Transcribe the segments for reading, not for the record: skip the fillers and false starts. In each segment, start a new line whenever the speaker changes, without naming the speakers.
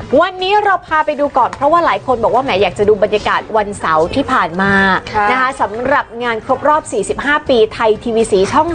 วันนี้เราพาไปดูก่อนเพราะว่าหลายคนบอกว่าแหมอยากจะดูบรรยากาศวันเสาร์ที่ผ่านมานะคะสำหรับงานครบรอบ 45 ปีไทยทีวีสีช่อง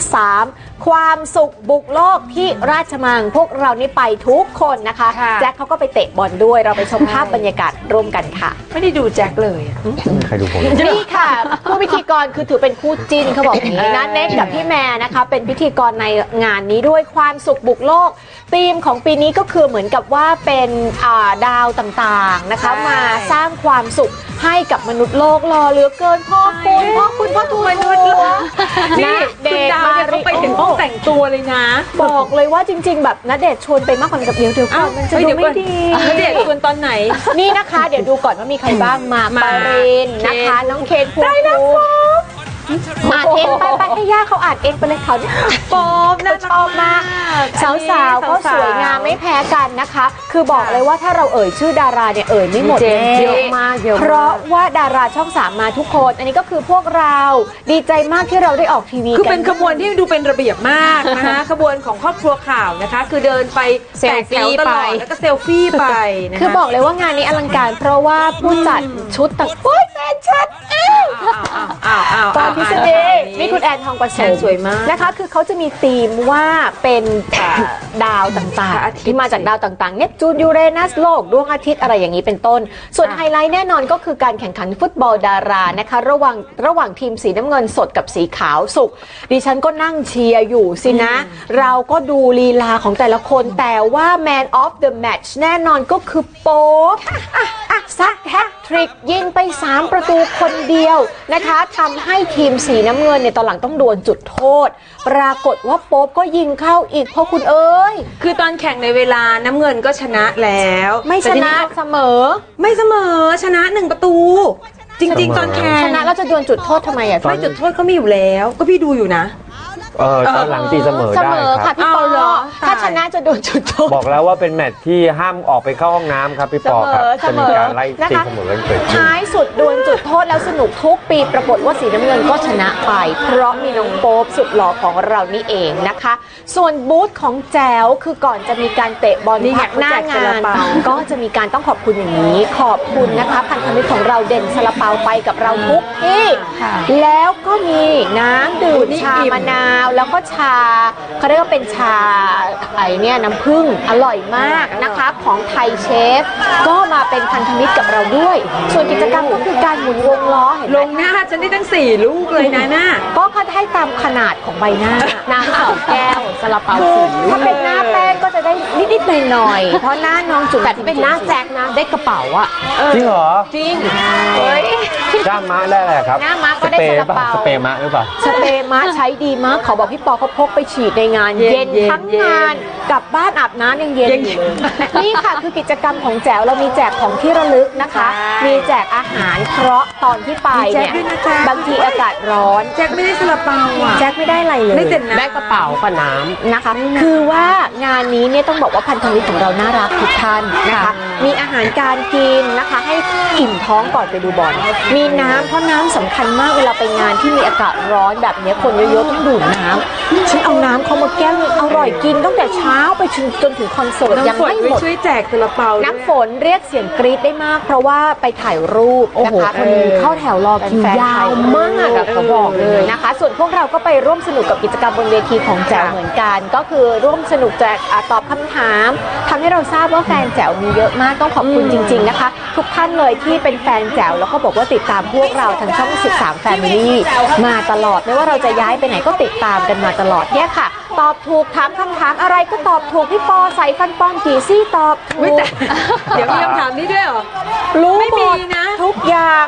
3 ความสุขบุกโลกที่ราชมังพวกเรานี่ไปทุกคนนะคะแจ็คเขาก็ไปเตะบอลด้วยเราไปชมภาพบรรยากาศร่วมกันค่ะ
ไม่ได้ดูแจ็คเลย
ใครดูผม
นี่ค่ะผู้พิธีกรคือถือเป็นคู่จิ้นเขาบอกอย่างนี้นะเน็กกับพี่แม่นะคะเป็นพิธีกรในงานนี้ด้วยความสุขบุกโลกธีมของปีนี้ก็คือเหมือนกับว่าเป็นดาวต่างๆนะคะมาสร้างความสุขให้กับมนุษย์โลกรอเหลือเกินพ่อคุณพ่อทูลมนุษย์
นี่คุณดาวเนี่ยเขาไปถึงห้องแต่งตัวเลยนะ
บอกเลยว่าจริงๆแบบณเดชน์ชวนไปมากกว่ากับเดี๋ยวก่อนมันจะดูไม่ดี
ณเดชน์ชวนตอนไหน
นี่นะคะเดี๋ยวดูก่อนว่ามีใครบ้างมาปารินนะคะน้องเคนภูมิอ่านเองไปให้ย่าเขาอ่านเองไปเลยเขา
ปอบน่า
ชอบมากสาวๆก็สวยงามไม่แพ้กันนะคะคือบอกเลยว่าถ้าเราเอ่ยชื่อดาราเนี่ยเอ่ยไม่หมดเยอะมากเพราะว่าดาราช่อง 3มาทุกคนอันนี้ก็คือพวกเราดีใจมากที่เราได้ออกทีวี
คือเป็นขบวนที่ดูเป็นระเบียบมากนะคะขบวนของครอบครัวข่าวนะคะคือเดินไปแตกแถวตลอดแล้วก็เซลฟี่ไป
คือบอกเลยว่างานนี้อลังการเพราะว่าผู้จัดชุดต่างโอ๊ยแฟนฉันตอนพิเศษนี่คุณแอนทองประเสริฐ
สวยมาก
นะคะคือเขาจะมีธีมว่าเป็นดาวต่างๆที่มาจากดาวต่างๆเนปจูนยูเรนัสโลกดวงอาทิตย์อะไรอย่างนี้เป็นต้นส่วนไฮไลท์แน่นอนก็คือการแข่งขันฟุตบอลดารานะคะระหว่างทีมสีน้ำเงินสดกับสีขาวสุกดิฉันก็นั่งเชียร์อยู่สินะเราก็ดูลีลาของแต่ละคนแต่ว่า Man of the Match แน่นอนก็คือโป๊ปซักแฮตทริกยิงไป3ประตูคนเดียวนะคะทำให้ทีมสีน้ำเงินเนี่ยตอนหลังต้องดวลจุดโทษปรากฏว่าโป๊ปก็ยิงเข้าอีกเพราะคุณเอ้ย
คือตอนแข่งในเวลาน้ำเงินก็ชนะแล้ว
ไม่ชนะเสมอ
ชนะ1ประตูจริงๆตอนแข่ง
ชนะแล้วจะดวลจุดโทษทำไมอ่ะ
ไม่จุดโทษเขามีอยู่แล้วก็พี่ดูอยู่นะ
ตอนหลังตีเสมอได้
ค่ะพี่ปอถ้าชนะจะโดนจุดโทษ
บอกแล้วว่าเป็นแมตช์ที่ห้ามออกไปเข้าห้องน้ำครับพี่ปอครับจะมีการไล่ตีเสมอกันเกิดขึ้น
ท้ายสุดดวลจุดโทษแล้วสนุกทุกปีปรากฏว่าสีน้ำเงินก็ชนะไปเพราะมีน้องโป๊ปสุดหล่อของเรานี่เองนะคะส่วนบูธของแจ๋วคือก่อนจะมีการเตะบอลพักหน้างานก็จะมีการต้องขอบคุณอย่างนี้ขอบคุณนะคะพันธมิตรของเราเด่นซาลาเปาไปกับเราทุกที่แล้วก็มีน้ำดื่มชามะนาวแล้วก็ชาเขาเรียกว่าเป็นชาเนี่ยน้ำผึ้งอร่อยมากนะคะของไทยเชฟก็มาเป็นพันธมิตรกับเราด้วยส่วนกิจกรรมก็คือการหมุนวงล้อ
ลงหน้าฉันได้ตั้ง4ลูกเลยนะหน้า
ก็เขาให้ตามขนาดของใบหน้าน้ำ2 แก้วซาลาเปาถ้าเป็นหน้าแป้งก็จะได้นิดๆหน่อยๆเพราะหน้าน้องจุ๋มแต่ที่เป็นหน้าแจ็คนะได้กระเป๋าอะ
จริงเหรอ
จริง
ด้ามม้าได้แหละครับ
หน้าม้าก็ได้ซาลาเปา
สเปรย์ม้าหรือเปล่า
สเปรย์ม้าใช้ดีมากเขาบอกพี่ปอเขาพกไปฉีดในงานเย็นทั้งงานกลับบ้านอาบน้ำยังเย็นอยู่เลยนี่ค่ะคือกิจกรรมของแจ๋วเรามีแจกของที่ระลึกนะคะมีแจกอาหารเพราะตอนที่ไปเนี่ยบางทีอากาศร้อน
แจ็คไม่ได้ซาลาเปาอ่ะ
แจ็คไม่ได้อะไรเลย
ได้กระเป๋ากับน้ำ
นะคะคือว่างานนี้เนี่ยต้องบอกว่าพันธมิตรของเราน่ารักทุกท่านนะคะมีอาหารการกินนะคะให้อิ่มท้องก่อนไปดูบอลมีน้ำเพราะน้ำสำคัญมากเวลาไปงานที่มีอากาศร้อนแบบนี้คนเยอะๆต้องดื่มน้ำฉันเอาน้ำเขามาแก้วอร่อยกินตั้งแต่เช้าไปจนถึงคอนเสิร์ตยังไม่หมด
ช่วยแจกซาลาเปา
น้ำฝนเรียกเสียงกรี๊ดได้มากเพราะว่าไปถ่ายรูปนะคะคนเข้าแถวรอคิวยาวมากเขาบอกเลยนะคะส่วนพวกเราก็ไปร่วมสนุกกับกิจกรรมบนเวทีของแจ๋วเหมือนกันก็คือร่วมสนุกแจกตอบคำถามทำให้เราทราบว่าแฟนแจ๋วมีเยอะมากต้องขอบคุณจริงๆนะคะทุกท่านเลยที่เป็นแฟนแจ๋วแล้วก็บอกว่าติดตามพวกเราทางช่อง13 Family มาตลอดไม่ว่าเราจะย้ายไปไหนก็ติดตามกันมาตลอดเนี่ยค่ะตอบถูกถามคำถามอะไรก็ตอบถูกพี่ปอใส่ฟันปลอมกี่ซี่ตอบถูก
เดี๋ยวมีคำถามนี้ด้วยเหรอ
รู้หมดนะทุกอย่าง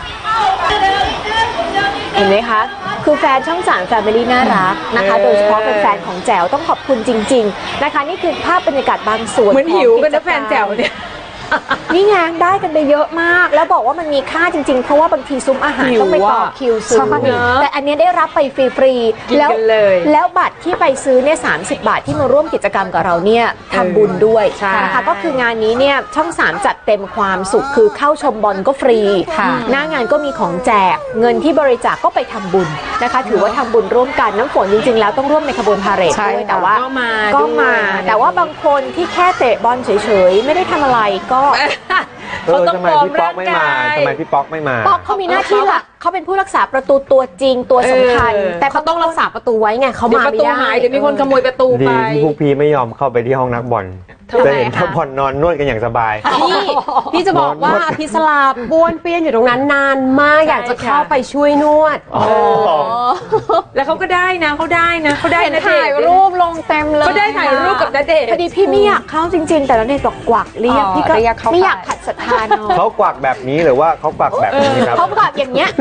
เห็นไหมคะคือแฟนช่อง3 Family น่ารักนะคะโดยเฉพาะเป็นแฟนของแจ๋วต้องขอบคุณจริงๆนะคะนี่คือภาพบรรยากาศบางส่วน
เหมือนหิวกันนะแฟนแจ๋วเนี่ย
นี่ไงได้กันไปเยอะมาก แล้วบอกว่ามันมีค่าจริงๆ เพราะว่าบางทีซุ้มอาหารต้องไปต่อคิวซื้อแต่อันเนี้ยได้รับไปฟรีๆแล้วบัตรที่ไปซื้อเนี่ย30 บาทที่มาร่วมกิจกรรมกับเราเนี่ยทำบุญด้วยนะคะก็คืองานนี้เนี่ยช่อง 3 จัดเต็มความสุขคือเข้าชมบอลก็ฟรีหน้างานก็มีของแจกเงินที่บริจาคก็ไปทำบุญนะคะถือว่าทำบุญร่วมกันน้ำฝนจริงๆแล้วต้องร่วมในขบวนพาเหรดด้วยแต่ว่าก็มาแต่ว่าบางคนที่แค่เตะบอลเฉยๆไม่ได้ทำอะไรก็
ทำไมพี่ป๊อกไม่มา
ป๊อกเขามีหน้าที่หลักเขาเป็นผู้รักษาประตูตัวจริงตัวสำคัญแต่เขาต้องรักษาประตูไว้ไงเขามาไม่ได้
เดี๋ยวมีคนขโมยประตูไป
ที่พวกพี่ไม่ยอมเข้าไปที่ห้องนักบอลจะเห็นนักบอลนอนนวดกันอย่างสบาย
พี่จะบอกว่าพิศลาบ้วนเปี้ยนอยู่ตรงนั้นนานมากอยากจะเข้าไปช่วยนวด
แล้วเขาก็ได้นะเขาได้
ถ่ายรูปลงเต็มเลย
เขาได้ถ่ายรูปกับณเดชน์
พอดีพี่ไม่อยากเข้าจริงๆแต่ณเดชน์บอกกวักเรียกพี่ก็ไม่อยากขัดศรัทธาน้อง
เขากวักแบบนี้หรือว่าเขากวักแบบนี้ครับ
เขากวักอย่างเงี้ย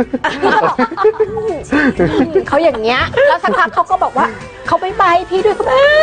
เขาอย่างเงี้ยแล้วสักพักเขาก็บอกว่าเขาไม่ไปพี่ด้วยก็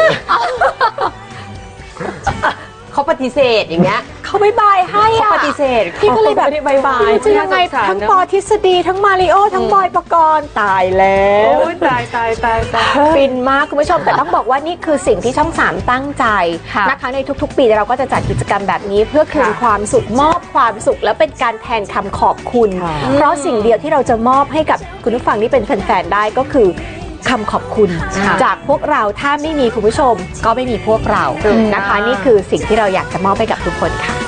เขาปฏิเสธอย่างเงี้ย
เขาไม่บายให้
เขาปฏิเสธ
พี่ก็เลยแบบบายจะยังไงทั้งปอทฤษฎีทั้งมาริโอทั้งบอยปกรณ์ตายแล้ว
ตาย
ฟินมากคุณผู้ชมแต่ต้องบอกว่านี่คือสิ่งที่ช่อง 3ตั้งใจนะคะในทุกๆปีเราก็จะจัดกิจกรรมแบบนี้เพื่อคืนความสุขมอบความสุขและเป็นการแทนคำขอบคุณเพราะสิ่งเดียวที่เราจะมอบให้กับคุณผู้ฟังที่เป็นแฟนๆได้ก็คือคำขอบคุณจากพวกเราถ้าไม่มีคุณผู้ชมก็ไม่มีพวกเรานะคะนี่คือสิ่งที่เราอยากจะมอบให้กับทุกคนค่ะ